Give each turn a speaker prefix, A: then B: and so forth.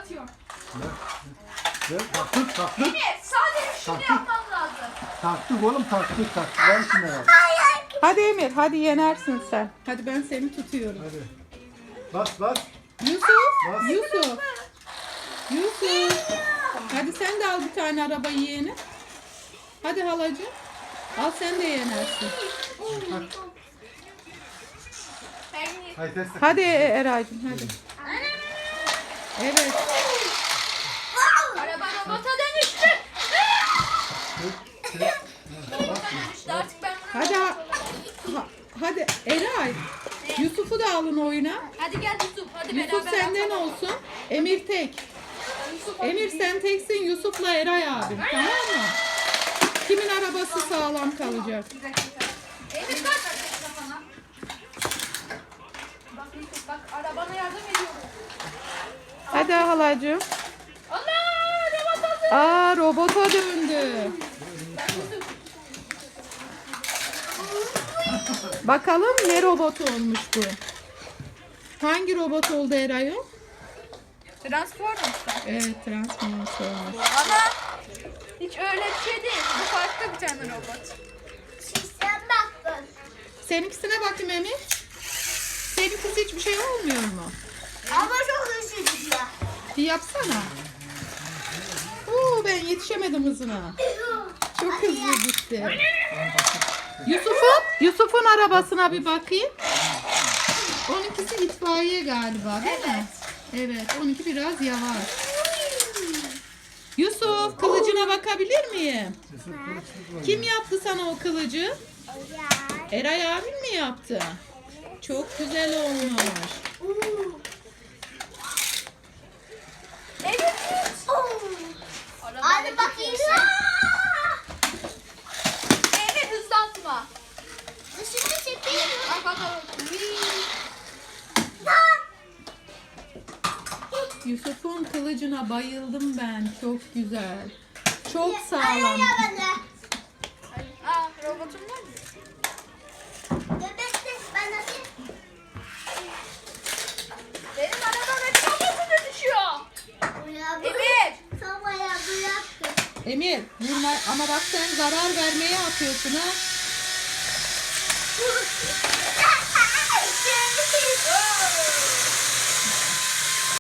A: atıyorum.
B: Taktık.
A: Evet, sadece şunu yapmam lazım.
B: Taktık oğlum taktık. Ver şunları.
C: Hadi Emir, hadi yenersin sen. Hadi ben seni tutuyorum.
B: Hadi. Bas.
C: Yusuf,
B: Bas.
C: Yusuf. Hadi sen de al bir tane araba yeğeni. Hadi halacığım. Al sen de yenersin.
B: Hadi test.
C: Hadi Eray'cığım hadi. Evet.
A: Araba robota dönüştü. Robota dönüştü. Artık ben bunu
C: Hadi hadi Eray. Yusuf'u da alın oyuna.
A: Hadi gel Yusuf. Hadi
C: Yusuf
A: beraber
C: senden
A: atalım.
C: olsun. Emir tek.
A: Yusuf,
C: Emir sen teksin, Yusuf'la Eray abim. Tamam mı? Kimin arabası sağlam kalacak?
A: Bir dakika. Emir bak. Bak Yusuf bak arabana yardım ediyorum.
C: Hadi halacığım.
A: Allah robot hazır.
C: Aa robota döndü. Bakalım ne robot olmuş bu? Hangi robot oldu Eray o?
A: Transformers'ta.
C: Evet Transformers olmuş.
A: Ama hiç öyle bir şey değil. Bu farklı bir tane robot. Sen baktın.
C: Seninkisine bakayım Emir. Seninkisi hiçbir şey olmuyor mu?
A: Ama çok hızlı gidiyor.
C: Bir yapsana. Oo, ben yetişemedim hızına. Çok hızlı gitti. Yusuf'un arabasına bir bakayım. Onunkisi itfaiye galiba değil mi? Evet, onunki biraz yavaş. Yusuf, kılıcına bakabilir miyim? Kim yaptı sana o kılıcı? Eray abin mi yaptı? Çok güzel olmuş.
A: Evet. Hadi bakayım. Evet hızlatma. Dışına çekeyim. Bak bakalım.
C: Yusuf'un kılıcına bayıldım ben. Çok güzel. Çok sağlam.
A: Aa robotum var mı? Benim arabam hep çok hızlı düşüyor. Evet.
C: Emir, vurma ama bak sen zarar vermeye atıyorsun ha.